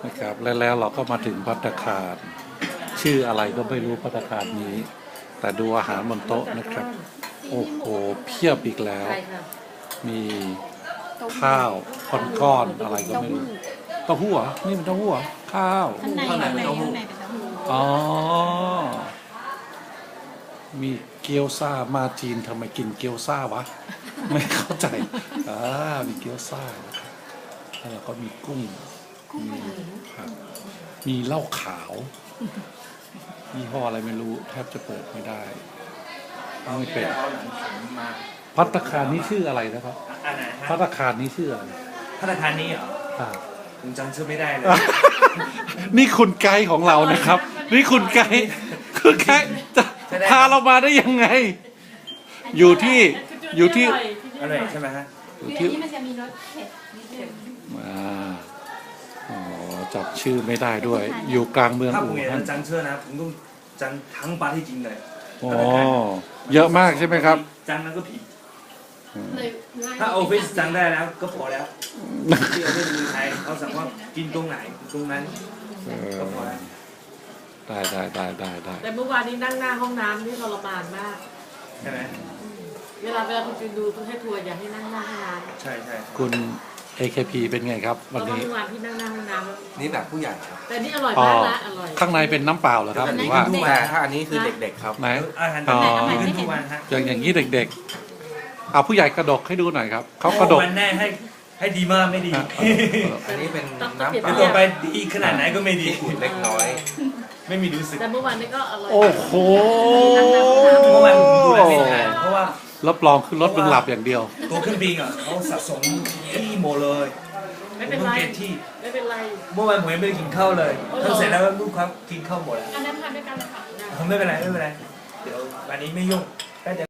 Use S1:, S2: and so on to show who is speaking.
S1: นะครับแล้วเราก็มาถึงภัตตาคารชื่ออะไรก็ไม่รู้ภัตตาคารนี้ แต่ดูอาหารบนโต๊ะนะครับ โอ้โหเพียบอีกแล้ว มีข้าวก้อนๆอะไรก็ไม่รู้เต้าหู้เหรอนี่มันเต้าหู้เหรอข้าว
S2: ข้างในเป็นเต้าหู้
S1: อ๋อมีเกี๊ยวซ่ามาจีนทำไมกินเกี๊ยวซ่าวะ ไม่เข้าใจมีเกี๊ยวซ่านะครับแล้วก็มีกุ้งมีผักมีเหล้าขาวยี่ห้ออะไรไม่รู้แทบจะเปิดไม่ได้ไม่เป็นภัตตาคารนี้ชื่ออะไรนะครับ
S3: อันไหนฮะ
S1: ภัตตาคารนี้ชื่ออะไร
S3: ธนาคารนี้เหรอ
S1: อ่า
S3: ผมจำชื่อไม่ได้เลย
S1: นี่คุณไกด์ของเรานะครับ นี่คุณไกด์จะพาเรามาได้ยังไง อยู่ที่
S3: อร่อยใช่ไหมฮะ
S1: อยู่
S2: อัน
S1: ที่
S2: นี้มันจะมีรสเผ็ดนิดนึง
S1: อ๋อจับชื่อไม่ได้ด้วย อยู่กลางเมือง
S3: ถ้าผ
S1: อู่
S3: มอยาก
S1: ฮั่น
S3: จะจำชื่อนะผมต้องจำทั้งปาที่จริงเลย
S1: อ๋อเยอะมากใช่ไหมครับ
S3: จำนั้นก็ผิด
S2: เลยง่าย
S3: ถ้าออฟฟิศจำได้แล้วก็พอแล้วที่ออฟฟิศเมืองไทยเขาสั่งว่ากินตรงไหนตรงนั้น
S1: เออ
S3: ก็พอแล้ว
S1: ได้
S4: แต่เมื่อวานนี้นั่งหน้าห้องน้ำนี่ทรมานมาก
S3: ใช่ไหม
S4: เวลาคุณจูนดูคุณให้ทัวร์อย่าให้นั่งหน้าห้องน้ำ
S3: ใช่ใช่
S1: คุณ AKP เป็นไงครับ
S4: เพ
S1: วัน
S4: ราะว่า
S1: นี้
S4: เมื่อวานที่นั่งหน้าห้องน้ำแล้ว
S5: นี่แบบผู้ใหญ่ครับ
S4: แต่นี่อร่อย
S1: อ๋อ
S4: มากละอร่อย
S1: ข้างในเป็นน้ำเปล่าเหรอครับหรือว่า
S5: แต่ถ้าอันนี้คือเด็กๆครับ
S1: ไหน
S3: อาหาร
S1: อ๋อ
S3: ขึ้นทุกวันฮะ
S1: อย่างนี้เด็กๆเอาผู้ใหญ่กระดกให้ดูหน่อยครับเขากระดก
S3: วันแน่ให้ดีมากไม่ดี
S5: อันนี้เป็น
S4: ต้อง
S5: น้ำ
S4: เปลี่ยน
S5: เป
S3: เดี๋ยว
S5: ล่า
S3: ต่อไปดีขนาดไหนก็ไม่ดี
S5: อุ่นเล็กน้อย
S3: ไม่มีรู้สึก
S4: แต่เมื่อวานนี้ก็อร่อย
S1: โอ้โห
S3: เพราะมันดูแลไม่ทันเพราะว่า
S1: รับรองคือรถมึงหลับอย่างเดียว
S3: ตัวเครื่องบินอ่ะเขาสะสมที่หมดเลย
S4: ไม่เป็นไร
S3: ผมต้องก็บที่
S4: ไม่เป็นไร
S3: เมื่อวานผมยังไม่ได้กินข้าวเลยทำเสร็จแล้วลูกครับกินข้าวหมดแล้ว
S2: อันนั้นทานด้วยกันเลยค่ะ
S3: ผมไม่เป็นไรเดี๋ยววันนี้ไม่ยุ่ง